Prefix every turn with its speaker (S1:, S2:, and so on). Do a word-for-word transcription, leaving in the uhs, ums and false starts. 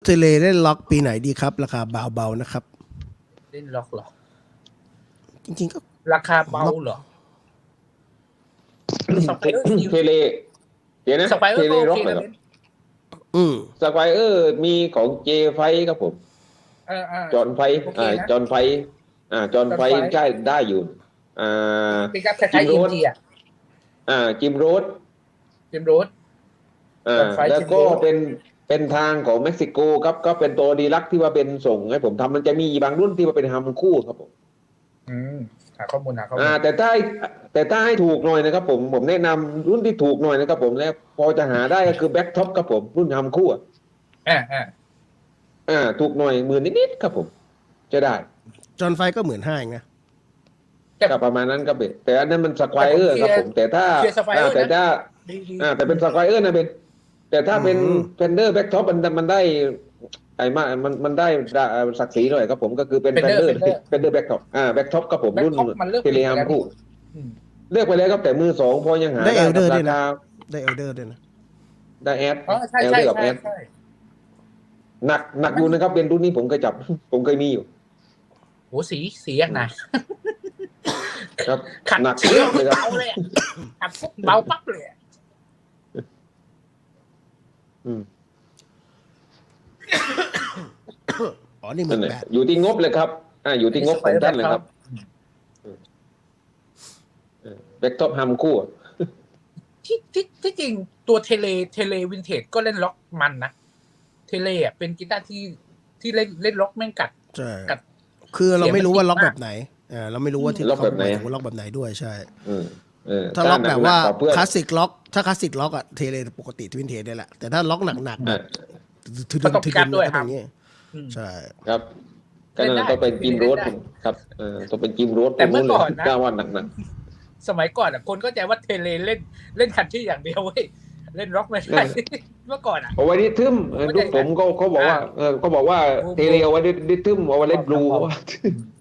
S1: เทเลเล่นล็อกปีไหนดีครับ ราคาเบาๆนะครับ
S2: เล่นล็อกเหรอ
S1: จริงๆก็
S2: ราคาเบาเหรอสไปเออร์
S3: เทเลเดี๋ยวนะ
S2: สไปเออ
S3: เท
S2: ร์
S3: เล
S2: ก็โอ
S3: ร็อก
S2: เค
S3: เหร
S2: นะ
S3: อ
S2: เล่น
S1: อืม
S3: สไปเออร์มีของเจไฟครับผม
S2: เออเออ
S3: จอนไฟ
S2: โอเค
S3: อ่า
S2: นะ
S3: จอนไฟอ่าจอนไฟ
S2: จอนไฟ
S3: ใช่ได้อยู่ อ่า
S2: เป็นการคล้ายๆ
S3: จิ
S2: อิ
S3: ม
S2: น
S3: โรส
S2: เดีย
S3: อ่าจิมโรส
S2: เจมส์โรส
S3: อ่า
S2: จอนไฟ
S3: แล้วก็
S2: จิมโรส
S3: เป็นเป็นทางของเม็กซิโกครับก็เป็นตัวดีลักที่ว่าเป็นส่งให้ผมทำมันจะมีบางรุ่นที่ว่าเป็นฮัมคู่ครับผม
S2: อืมหาข้อมูลหาข้อมู
S3: อ่า
S2: ล
S3: แต่ถ้าแต่ถ้าให้ถูกหน่อยนะครับผมผมแนะนำรุ่นที่ถูกหน่อยนะครับผมแล้วพอจะหาได้ก็คือแบ็คท็อปครับผมรุ่นฮัมคู่อ่ะ
S2: อ่าอ่า
S3: อ่าถูกหน่อยหมื่นนิดๆครับผม จะได้
S1: จอนไฟก็หมื่นห้าเองนะ
S3: ก็ประมาณนั้นครับเบแต่อันนั้นมันสควอเออร์ครับผมแต่ถ้า
S2: เคลียร์สไปเออ
S3: อ่า
S2: ร์
S3: แต่
S2: นะ
S3: ถ้า
S2: ดีดี
S3: อ่าแต่เป็นสควอเออร์นะเป็นแต่ถ้าเป็น
S1: อืม
S3: เฟนเดอร์แบ็กท็อปมันมันได้ไอ้มามันมันได้ศักดิ์ศรีหน่อยครับผมก็คือเป็นเฟนเดอร์เฟนเดอร์แบ็กท็อปอ่าแบ็กท็อปครับผมรุ่น
S2: Back top มันเลือก
S3: เทเลฮัม
S2: ไปแล้ว
S3: คู่
S2: อืม
S3: เลือกไปแล้วครับแต่มือสองพอยังหา
S1: ได้
S3: ได้
S1: Elder
S3: ครับ
S1: ด้วย
S3: รา
S1: นะ
S3: คา
S1: ได้เอลเดอร์ด้วยนะ
S3: ได้แอด
S2: อ๋อใช่
S3: เอล
S2: ใช่
S3: เดอร์กับ
S2: ใช่
S3: แอด
S2: ใช่
S3: หนักหนักอยู่นะครับเป็นรุ่นนี้ผมเคยจับ ผมเคยมีอยู่
S2: โหสีสีอย่างไหน
S3: ครับ
S2: ขัด
S3: หนัก
S2: สี
S3: เยอะเลยครับ
S2: เบาเลยอะขัดปุ๊บเบาปั๊บเลยอะ
S3: อืม
S1: อ๋อ นี่หมื่
S3: นั่น
S1: น
S3: แหละ
S1: แปด
S3: อยู่ที่งบเลยครับอ่าอยู่ที่งบของท่านเลยครับแบ็กท็อปฮัมคู่
S2: ที่ที่ที่จริงตัวเทเลเทเลวินเทจก็เล่นล็อกมันนะเทเลอ่ะเป็นกีตาร์ที่ที่เล่นเล่นล็อกแม่งกัด
S1: ใช่
S2: กัด
S1: คือเราไม่รู้ว่าล็อก
S2: เสี
S1: แบ
S2: ยงมัน
S1: บไหนเออเราไม่รู้ว่าที่
S3: ล็อกแบบไหน
S1: เขาหมายถึงว่าล็อกแบบไหนด้วยใช่
S3: อืมเออ
S1: ถ้าล็อกแบบว่า
S3: หนักๆกเพื่อน
S1: คลาสสิกล็อก ถ้าคลาสสิกล็อกอะเทเลปกติทวินเทจได้แหละ แต่ถ้าล็อกหนักๆแบ
S3: อ่ะ
S1: บถือ
S2: ก็ต้อง
S1: ถือ
S2: การด้วย
S1: ก็
S2: ครั
S1: เป็
S2: บ
S1: นอย่างงี้
S2: อืม
S1: ใช่
S3: ครับก็
S2: เล่น
S3: นั่น
S2: ได้
S3: ต้องเป็นจิมโรส
S2: เล่นได้
S3: ครับเออต้องเป็นจิมโรส
S2: แต่เมื่อก่อนนะ
S3: กล้าว่าหนักหนัก
S2: สมัยก่อนอ่ะคนก็ใจว่าเทเลเล่นเล่นคันที่อย่างเดียวเว้ยเล่นร็อกไม่ได้เมื่อก่อนอ่ะ
S3: เอาไว้ดิทึมเออ
S2: เข้าใจ
S3: ลูกผมก็เขาบอกว่า
S2: อ่า
S3: เออก็บอกว่า
S2: บลู
S3: เทเลเอาไว้ดิทึมเอาไว้เล่นบลู
S2: ครับ
S3: ว่า